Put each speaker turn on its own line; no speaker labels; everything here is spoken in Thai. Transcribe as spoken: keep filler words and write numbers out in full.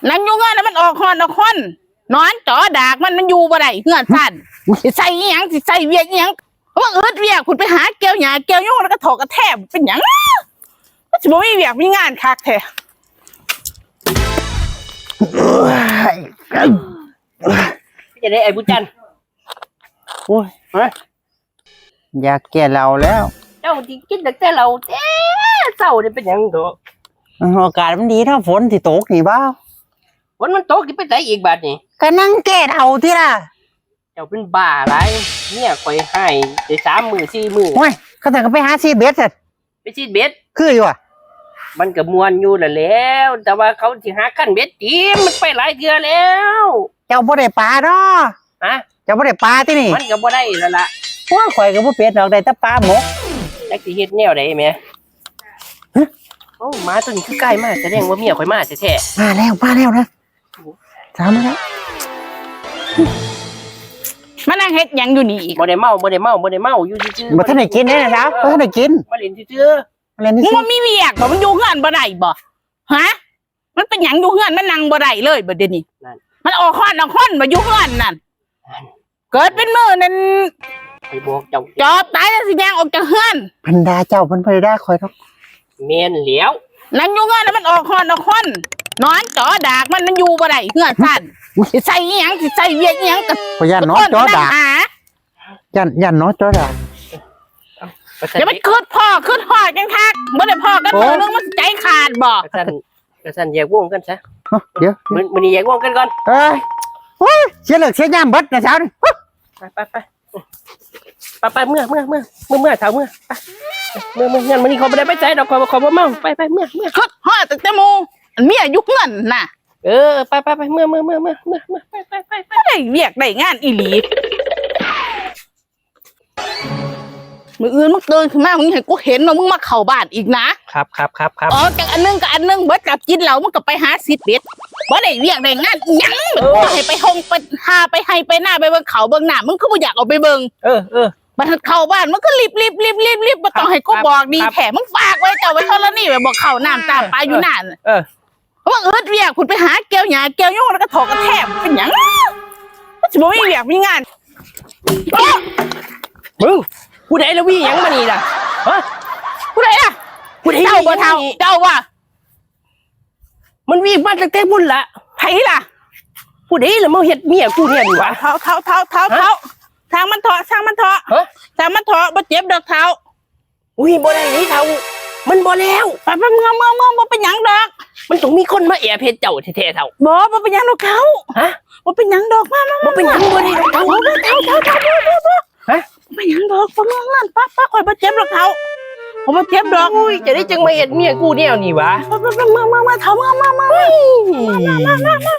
นั่งอยู่เงื่อนแล้วมันออกคอนออกคอนนอนจ่อดากมันมันอยู่บ่ได้เงื่อนสั่นสิใส่อีหยังสิใส่เวียกอีหยังเพราะว่าเอิดเวียกคุณไปหาเกี่ยวหญ้าเกี่ยวโยงแล้วก็ถอกกระแทบเป็นหยังสิบ่มีเวียกมีงานคักแท้
จะได้ไอ้บุญจันทร์โอ้ยฮะ
อยากแก่เราแล้ว
เจ้าที่กินแต่เราเอ๊ะเศร้าเนี่ยเป็นหยังโต
อากาศมันดีถ้าฝนที่ตกนี่บ้า
วันมันโตกินไปไหนอีกบาทนี่
ก็นั่งแก่เราที่ล่ะ
เจ้าเป็นบ้าอะไรเนี่ยคอยให้ได้สามมือสี่มือ
โอ้ยก็แต่ก็ไปหาซีเบสเสร็จ
ไปชีดเบ็ด
คืออยู่อ่ะ
มันก็มวนอยู่แหละแล้ว แต่ว่าเขาที่หาขั้นเบ็ดทีมมันไปหลายเดือนแล้ว
เจ้าบ่ได้ปลาเนาะ
ฮะ
เจ้าบ่ได้ปลาที่นี่
มันก็บ่ได้แล้วล่ะ
พวกข่อยก็บ่เป็ดดอกได้แต่ปลาหมก
จักสิเฮ็ดแนวใดแหม่โอ้หมาตัวนี้คือใกล้มากแสดงว่าเมียข่อยมาแท้
มาแล้วมาแล้วนะถามมาแล้ว
มานั่งเฮ็ดหยังอยู่นี่อีก
ๆบ่ได้เมาบ่ได้เมาบ่ได้เมาอยู่ซื่อ
บ่ทันได้กินแน่นะครับบ่ทันได้กิน
มาเล่นซื่อ
อะไรนี่
มึง
สิ
ว่ามีเวียกบ่มันอยู่เงื่อนบ่ได้บ่ฮะมันเป็นหยังอยู่เงื่อนมันนั่งบ่ได้เลยบ่เดี๋ยวนี้มันออกคอนออกคอนมาอยู่เงื่อนนั่นเกิดเป็นมือนั่น
ๆไปบอกเจ้า
จอบตายแล้วสิย่างออกจากเงื่อน
พันดาเจ้าเพิ่นบ่ได้ด่าข่อยดอก
แม่นแล้ว
นั่งอยู่เงื่อนแล้วมันออกคอนออกคอนนอนจ่อดากมันมันอยู่บ่ได้เงื่อนสั่นสิใส่อีหยังสิใส่เวียกอีหยังก็
ข่อยย่านน้อจอดาก
หา
ย่านย่านน้อจอดาก
อย่าไปคืดพ่อคืดพ่อจังคักบ่ได้พ่อกันมือนึงมันใจขาดบ่
กระสันกระสันแยกวงกันซะ
เดี๋ยว
มันมันนี่แยกวงกันก่อน
เอ้ยโอ้ยเสียเลิกเสียยามเบิดนะเช้านี่
ไปไปไปไปไปเมื่อเมื่อเมื่อเมื่อเมื่อเช้าเมื่อเมื่อเมื่อเงินมันนี่เขาไม่ได้ไปใจดอกขอขอบ่เมาไปไปเมื่อเมื่อ
คืดพ่อตั้งแต่หมู่อันเมียอยู่เงื่อนน่ะ
เออไปไปไปเมื่อเมื่อเมื่อเมื่อเมื่อเมื่อไปไปไปไป
ได้เวียกได้งานอีหลีมืออื่นมึงตื่นขึ้นมามึงให้กูเห็นว่ามึงมาเข้าบ้านอีกนะครับ
ครับครับครับ
ออกจากอันนึงกับอันนึงเบิดกับกินเหล้ามึงก็ไปหาสิทธิ์เบ็ดบ่ได้เวียกได้งานอิหยังกูให้ไปหงไปหาไปให้ไปหน้าไปเบิ่งเขาเบิ่งหน้ามึงคือบ่อยากเอาไปเบิ่ง
เออเออ
บัดเข้าบ้านมึงก็รีบรีบรีบรีบรีบบ่ต้องให้กูบอกดีแถมึงฝากไว้เจ้าไว้เท่านี้แบบบอกเข้าน้ำตามปลาอยู่นั่น
เออ
เพราะว่าเอิดเวียกคุณไปหาเกี่ยวหญ้าเกี่ยวโยงแล้วก็ถอกกระแทบเป็นหยังสิบ่มีเวียกมีงาน
มึงผู้ใดแล้ววิ่งยังมานี่ล่ะฮะ
ผู้ใดล่ะ
ผู้ใด
เจ้าบ่เท่าเจ้าว่า
มันวิ่งมาตั้งแต่บุญละ
ไผล่ะ
ผู้ใดแล้วมาเฮ็ดเมียกูเนี่ยนี่วะ
เท้าเท้าเท้าเท้าเท้าทางมันเถาะทางมันเถาะ
ฮะ
ทางมันเถาะบ่เจ็บดอกเท้า
อุ้ยบ่ได้นี่เท่ามันบ่แล้ว
ไปไปเมื่อเมื่อเมื่อบ่เป็นหยังดอก
มันต้องมีคนมาแอบเฮ็ดเจ้าแท้ๆเท่า
บ่บ่เป็นหยังดอกเขา
ฮะ
บ่เป็นหยังดอกมามา
บ่เป็นหยังบ่ได้เท่า
เอาเท้าเท้าเท้าเท้าเท้าเท้า
ฮะ
บ่เป็นหยังดอกบ่เมื่อนั่นป้าป้าข่อยบ่เจ็บดอกเท้าบ่บ่เจ็บดอก
อุ้ยจะได้จังมาเฮ็ดเมียกูแนวนี่วะ
ไปไปไปเมื่อเมื่อเมื่อเท้าเมื่อเมื่อเมื่อ
มามามามา